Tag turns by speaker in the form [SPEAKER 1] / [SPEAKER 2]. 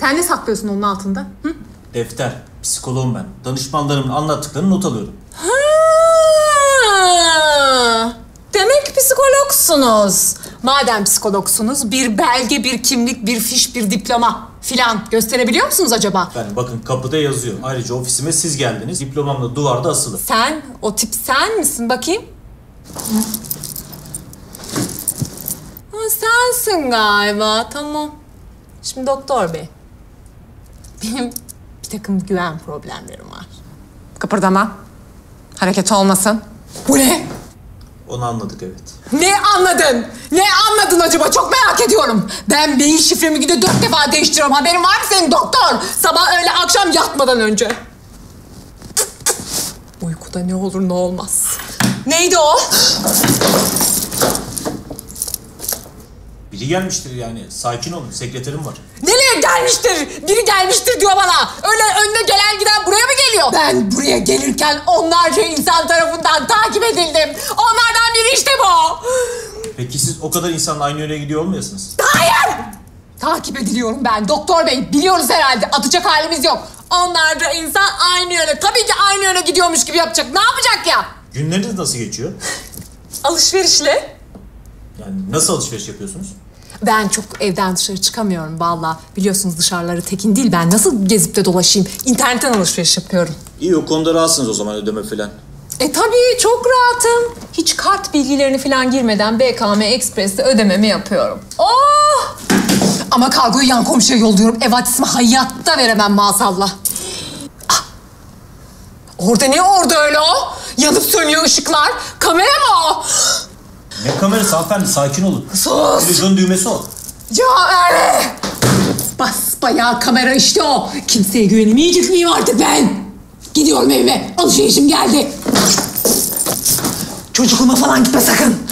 [SPEAKER 1] Sen ne saklıyorsun onun altında? Hı?
[SPEAKER 2] Defter. Psikoloğum ben. Danışmanlarımın anlattıklarını not alıyorum.
[SPEAKER 3] Ha, demek psikologsunuz.
[SPEAKER 1] Madem psikologsunuz bir belge, bir kimlik, bir fiş, bir diploma filan gösterebiliyor musunuz acaba?
[SPEAKER 2] Yani bakın kapıda yazıyor. Ayrıca ofisime siz geldiniz. Diplomam da duvarda asılı.
[SPEAKER 1] Sen, o tip sen misin bakayım? Ha, sensin galiba, tamam. Şimdi doktor bey, benim bir takım güven problemlerim var. Kıpırdama, hareket olmasın. Bu ne?
[SPEAKER 2] Onu anladık, evet.
[SPEAKER 1] Ne anladın? Ne anladın acaba? Çok merak ediyorum. Ben beyin şifremi günde 4 defa değiştiriyorum. Haberin var mı senin doktor? Sabah, öğle, akşam yatmadan önce. Uykuda ne olur ne olmaz. Neydi o?
[SPEAKER 2] Biri gelmiştir yani. Sakin olun. Sekreterim var.
[SPEAKER 1] Nereye gelmiştir? Biri gelmiştir diyor bana. Öyle önüne gelen giden buraya mı geliyor? Ben buraya gelirken onlarca insan tarafından takip edildim. Onlardan biri işte bu.
[SPEAKER 2] Peki siz o kadar insanla aynı yöne gidiyor olmayasınız?
[SPEAKER 1] Hayır! Takip ediliyorum ben doktor bey. Biliyoruz herhalde. Atacak halimiz yok. Onlarca insan aynı yöne. Tabii ki aynı yöne gidiyormuş gibi yapacak. Ne yapacak ya?
[SPEAKER 2] Günleriniz nasıl geçiyor?
[SPEAKER 1] Alışverişle.
[SPEAKER 2] Yani nasıl alışveriş yapıyorsunuz?
[SPEAKER 1] Ben çok evden dışarı çıkamıyorum vallahi. Biliyorsunuz dışarıları tekin değil. Ben nasıl gezip de dolaşayım? İnternetten alışveriş yapıyorum.
[SPEAKER 2] İyi, o konuda rahatsınız o zaman, ödeme falan.
[SPEAKER 1] Tabii çok rahatım. Hiç kart bilgilerini falan girmeden BKM Express'te ödememi yapıyorum. Oh! Ama kargoyu yan komşuya yolluyorum. Ev adresimi hayatta veremem maazallah. Ah! Orada ne orada öyle o? Yanıp sönüyor ışıklar. Kamera mı o?
[SPEAKER 2] Ne kamerası hanımefendi, sakin olun.
[SPEAKER 1] Sus!
[SPEAKER 2] Televizyon düğmesi o.
[SPEAKER 1] Ya öyle! Basbayağı kamera işte o. Kimseye güvenemeyecek miyim artık ben? Gidiyorum evime. Alışverişim geldi. Çocukluğuma falan gitme sakın.